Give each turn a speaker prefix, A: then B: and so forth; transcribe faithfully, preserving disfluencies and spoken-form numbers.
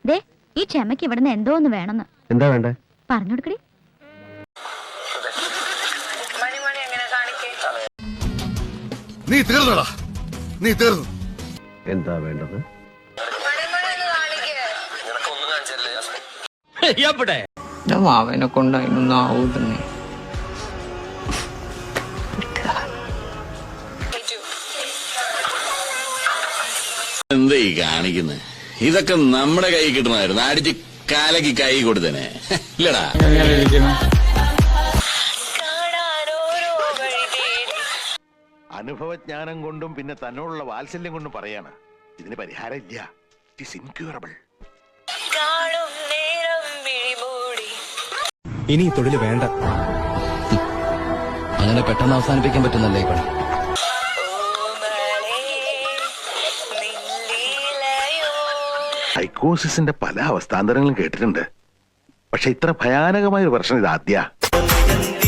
A: ദേ ഈ ക്ഷമയ്ക്ക് ഇവിടുന്ന് എന്തോ ഒന്ന് വേണമെന്ന്.
B: എന്താ വേണ്ടേ?
A: പറഞ്ഞു കൊടുക്കടി.
C: നീ തീർന്നടാ, നീ തീർന്നു.
B: എന്താ വേണ്ടത്?
D: അവനെ കൊണ്ട് അതിനൊന്നും ആവൂതന്നെ.
E: എന്താ ഈ കാണിക്കുന്നത്? ഇതൊക്കെ നമ്മുടെ കൈ കിട്ടണമായിരുന്നു. അടിച്ച് കാലക്ക് കൈ കൊടുത്തനെ ഇല്ലടാ.
C: അനുഭവജ്ഞാനം കൊണ്ടും പിന്നെ തന്നോടുള്ള വാത്സല്യം കൊണ്ടും പറയാണ്, ഇതിന് പരിഹാരം ഇല്ല. It is incurable.
F: ഇനി ഈ തൊഴിൽ വേണ്ട.
G: അങ്ങനെ പെട്ടെന്ന് അവസാനിപ്പിക്കാൻ പറ്റുന്നല്ലേ ഈ പണി?
C: സൈക്കോസിന്റെ പല അവസ്ഥാന്തരങ്ങളും കേട്ടിട്ടുണ്ട്, പക്ഷെ ഇത്ര ഭയാനകമായ ഒരു പ്രശ്നം ഇത് ആദ്യ